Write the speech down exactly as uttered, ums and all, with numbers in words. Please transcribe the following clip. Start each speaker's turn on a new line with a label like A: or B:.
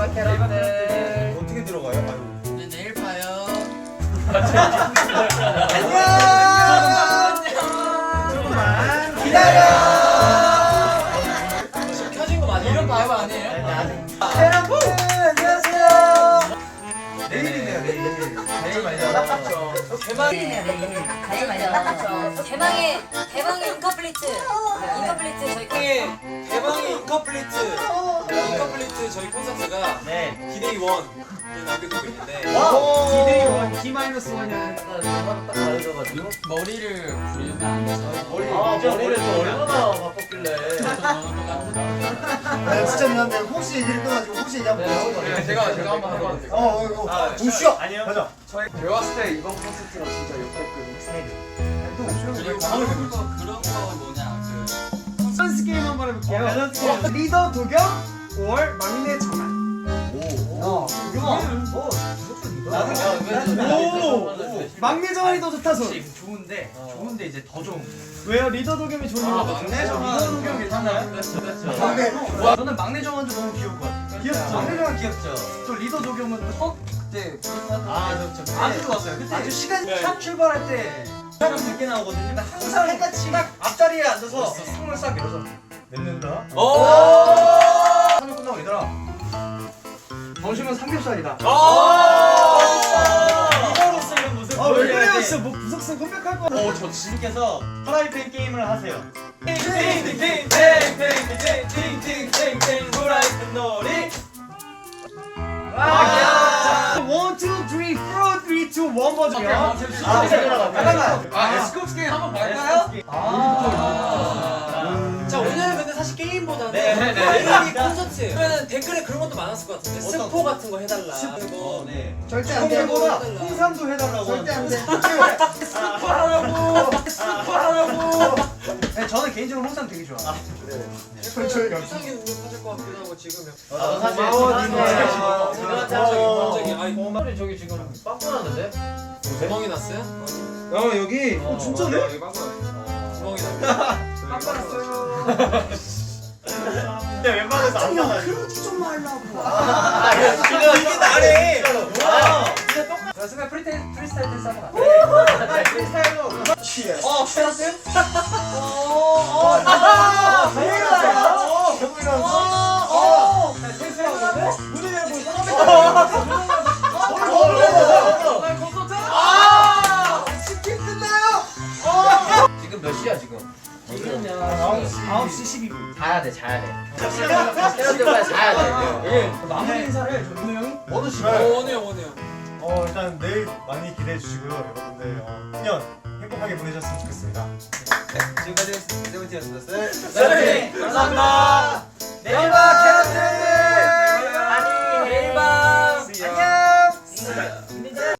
A: 마지막 캐럿들
B: 어떻게 들어가요? 아유.
C: 네, 내일 봐요.
B: 안녕. 조금만 기다려.
C: 지금 켜진 거 맞아요? 이런 바이브 아니에요?
B: 여러분 안녕하세요. 내일이네요 내일. 내일 말이죠. 딱
D: 대박이네요 내일. 내일 말이죠. 딱 대망의 대망의 인컴플리트. 인컴플리트 저희
C: 대망의 대망의 인컴플리트 인컴플리트 저희 콘서트가
B: 네.
C: 디데이 원 남겨두고 있는데
B: 와.
A: 디데이 원, D 마이너스 원이랑 딱 다르셔가지고
C: 머리를 부리면 안 돼서
B: 머리
A: 아
B: 진짜
A: 머리를 또
B: 머리
A: 얼마나 바꿨길래
E: 아 진짜 미안한데 혹시 얘기를 끊어가지고 혹시 얘기 한번 해주세요.
C: 네, 제가 제가 한번 해봐도 될까요?
E: 어 이거
B: 아,
E: 우슈야.
B: 아니요.
E: 가자.
A: 제가 봤을 때 이번 콘서트랑 진짜 역대급 스타일이에요.
E: 또 우슈야.
C: 그리고
E: 방을
C: 그런 거 그런 거 뭐냐 그
A: 밸런스 게임 한번 해볼게요.
B: 어, 밸런스 게임.
A: 리더 도겸, 오월 막내 정한. 어,
E: 유머.
A: 뭐
B: 나는
A: 오! 막내 정한이 더 좋다 손.
B: 좋은데 좋은데 이제 더 좋은.
A: 왜요? 리더 도겸이 좋은
C: 아,
A: 거
C: 막내 정한.
A: 리더 도겸 괜찮나요?
C: 그렇죠 그렇죠
E: 막내.
B: 와, 저는 막내 정한도 너무 귀여울 것 같아요.
A: 귀엽죠?
B: 막내 정한 귀엽죠.
A: 저 리더 도겸은 첫 그때
B: 아, 저, 저 아주 좋았어요. 그때
A: 아주 시간
C: 네.
B: 첫 출발할 때 사람 늦게 나오거든요. 근데 항상 해같이 딱 앞자리에 앉아서
C: 멋있었어.
B: 손을 싹 열어서 냅는다.
C: 오!
B: 하늘 끝나고 얘들아.
A: 점심은 삼겹살이다.
B: 리더로서 이런 모습
A: 아 왜
B: 보여줘야
A: 그래요?
B: 돼.
A: 진짜 뭐 부석순 컴백할 거야.
B: 어, 저 지님께서 프라이팬 게임을 하세요. 팅팅팅팅팅팅팅팅팅팅 프라이팬 놀이.
A: 아, 원, 투, 쓰리, 포, 쓰리, 투, 원 버전이요.
B: 아, 잠깐만.
C: 아 에스쿱스 게임 한번 볼까요?
B: 아.
C: 자 오늘은 근데 사실 게임보다는
B: 네, 네, 네.
C: 게임이 콘서트 그러면 댓글에 그런 것도 많았을 것 같은데
B: 어떤
C: 스포 같은 거 해달라
B: 어,
C: 그리고
B: 네.
E: 절대 안 돼.
B: 홍보보다 홍삼도 해달라고.
E: 절대 안 돼.
B: 스포하라고. 스포하라고. 네, 저는 개인적으로 홍삼 되게 좋아.
E: 천천히 가.
C: 이상하게 능력하실 것 같기도 하고 지금
B: 아, 사실
E: 고마워,
B: 지금
E: 니네.
B: 지금
C: 지금
E: 고마워.
C: 갑자기 아이
A: 머리 저기 지금 빵꾸 났는데?
C: 구멍이 났어요?
B: 어, 여기.
A: 어, 진짜네?
C: 여기 빵꾸 났어요 구멍이 났어요
A: 빵꾸 났어요.
B: 근데 웬만해서 안 나와요.
E: 그러지 좀 말라고.
B: 아, 지금 이게 나래.
A: 자, 순간 프리테 프리스타일 댄스 한번 갈게요.
B: 프리스타일로.
E: 취해.
B: 어, 페라스?
A: 어,
B: 아,
E: 어, 배고프게 나왔어.
B: 문을 열고
E: 치킨 끝나요.
A: 지금 몇 시야 지금? 지금은
E: 아홉
A: 시 십이 분.
E: 자야 돼, 자야 돼.
A: 때려들어야 자야 돼.
E: 예.
A: 마무리 인사를 전우 형이?
E: 어느
C: 어 원해요 원해요
F: 어 일단 내일 많이 기대해 주시고요 여러분들 어, 일 년 행복하게 보내셨으면 좋겠습니다.
B: 지금까지 세븐틴이었습니다.
C: 네 감사합니다
B: 내일 봐, 캐럿들!